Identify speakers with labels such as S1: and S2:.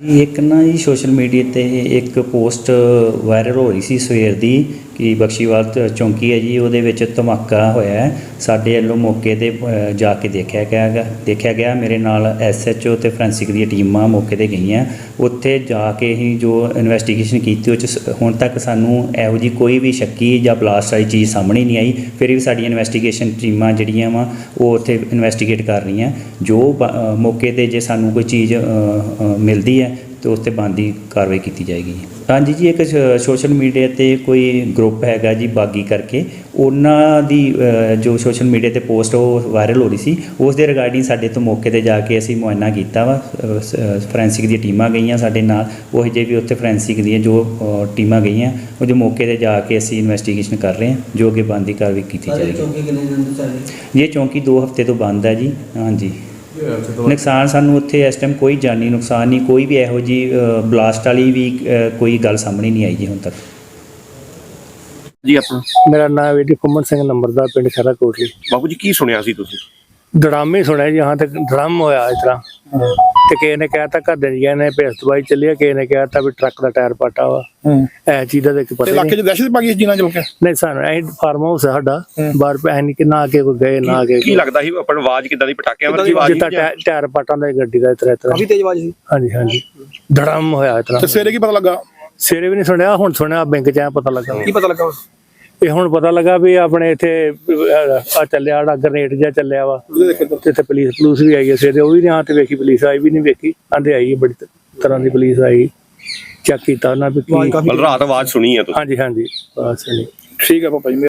S1: ਇੱਕ ਨਾ ਜੀ ਸੋਸ਼ਲ ਮੀਡੀਆ 'ਤੇ ਇੱਕ ਪੋਸਟ ਵਾਇਰਲ ਹੋ ਰਹੀ ਸੀ ਸਵੇਰ ਦੀ ਕਿ ਬਖਸ਼ੀਵਾਲ ਚੌਂਕੀ ਹੈ ਜੀ, ਉਹਦੇ ਵਿੱਚ ਧਮਾਕਾ ਹੋਇਆ ਹੈ। ਸਾਡੇ ਵੱਲੋਂ ਮੌਕੇ 'ਤੇ ਜਾ ਕੇ ਦੇਖਿਆ ਗਿਆ। ਮੇਰੇ ਨਾਲ SHO ਅਤੇ ਫੋਰੈਂਸਿਕ ਦੀਆਂ ਟੀਮਾਂ ਮੌਕੇ 'ਤੇ ਗਈਆਂ। ਉੱਥੇ ਜਾ ਕੇ ਹੀ ਜੋ ਇਨਵੈਸਟੀਗੇਸ਼ਨ ਕੀਤੀ, ਉਹ 'ਚ ਹੁਣ ਤੱਕ ਸਾਨੂੰ ਇਹੋ ਜਿਹੀ ਕੋਈ ਵੀ ਸ਼ੱਕੀ ਜਾਂ ਬਲਾਸਟ ਵਾਲੀ ਚੀਜ਼ ਸਾਹਮਣੇ ਨਹੀਂ ਆਈ। ਫਿਰ ਵੀ ਸਾਡੀਆਂ ਇਨਵੈਸਟੀਗੇਸ਼ਨ ਟੀਮਾਂ ਜਿਹੜੀਆਂ ਵਾ ਉਹ ਉੱਥੇ ਇਨਵੈਸਟੀਗੇਟ ਕਰ ਰਹੀਆਂ। ਜੋ ਮੌਕੇ 'ਤੇ ਜੇ ਸਾਨੂੰ ਕੋਈ ਚੀਜ਼ ਮਿਲਦੀ ਹੈ तो उस बनती कार्रवाई की जाएगी। हाँ जी एक सोशल मीडिया ते कोई ग्रुप हैगा जी बागी करके, उन्होंने जो सोशल मीडिया ते पोस्ट वो वायरल हो रही सी, उस दे रिगार्डिंग साडे तो मौके ते जाके असीं मुआयना किया वा। फोरेंसिक दी टीमां गईयां साडे नाल, वो जे भी उत्थे फोरेंसिक दी जो टीमां गईयां वो जो मौके ते जाके असीं इन्वेस्टिगेशन कर रहे हैं, जो कि बनती कार्रवाई की जाएगी। ये चौंकी 2 हफ्ते तो बंद है जी। हाँ जी नुकसान सानू उत्थे इस टाइम कोई जानी नुकसान नहीं, कोई भी इहो जी बलास्ट वाली भी कोई गल सामने नहीं आई जी हुण तक
S2: जी। अपना
S3: मेरा नाम है जी कुमन सिंह नंबरदार, पिंड खैरा कोटली।
S2: बाबू जी की सुनिया सी तुसीं?
S3: ड्रामे सुने जी, यहाँ तक ड्रम होया इस तरह ते किसी ने कहता घर दे ने भेस दवाई चली, किसी ने कहता भी ट्रक का टायर पाटा वा। ऐ चीज़ का तो पता
S2: इलाके च दहशत पा गई जिन्ना चल के
S3: नहीं सानू फार्म हाउस है साडा बाहर पे नहीं कि ना आके कोई गए ना आके
S2: की लगदा सी अपन आवाज किदां दी पटाकियां वाली आवाज
S3: जिता टायर पाटा दा गड्डी दा इतना
S2: काफी तेज आवाज सी।
S3: हाँ जी हाँ जी धड़म होया इतना।
S2: ते सवेरे की पता लगा?
S3: सवेरे भी नहीं सुनिया, हुण सुनिया बैंक च पता लगा।
S2: की पता लगा?
S3: ਇਹ ਹੁਣ ਪਤਾ ਲੱਗਾ ਵੀ ਆਪਣੇ ਇੱਥੇ ਆ ਚੱਲਿਆ ਗ੍ਰਨੇਡ ਜਿਹਾ ਚੱਲਿਆ ਵਾ, ਤੇ ਇੱਥੇ ਪੁਲਿਸ ਵੀ ਆਈ ਹੈ ਸਵੇਰੇ, ਉਹ ਵੀ ਨਹੀਂ ਆ ਤੇ ਵੇਖੀ, ਪੁਲਿਸ ਆਈ ਵੀ ਨਹੀਂ ਵੇਖੀ, ਆਂਦੇ ਆਈ ਬੜੀ ਤਰ੍ਹਾਂ ਦੀ ਪੁਲਿਸ ਆਈ, ਚੈੱਕ ਕੀਤਾ ਉਹਨਾਂ ਵੀ
S2: ਰਾਤ ਆਵਾਜ਼ ਸੁਣੀ ਹੈ ਤੁਸੀਂ?
S3: ਹਾਂਜੀ ਹਾਂਜੀ ਬਸ
S2: ਠੀਕ ਹੈ ਪਾਪਾ ਜੀ।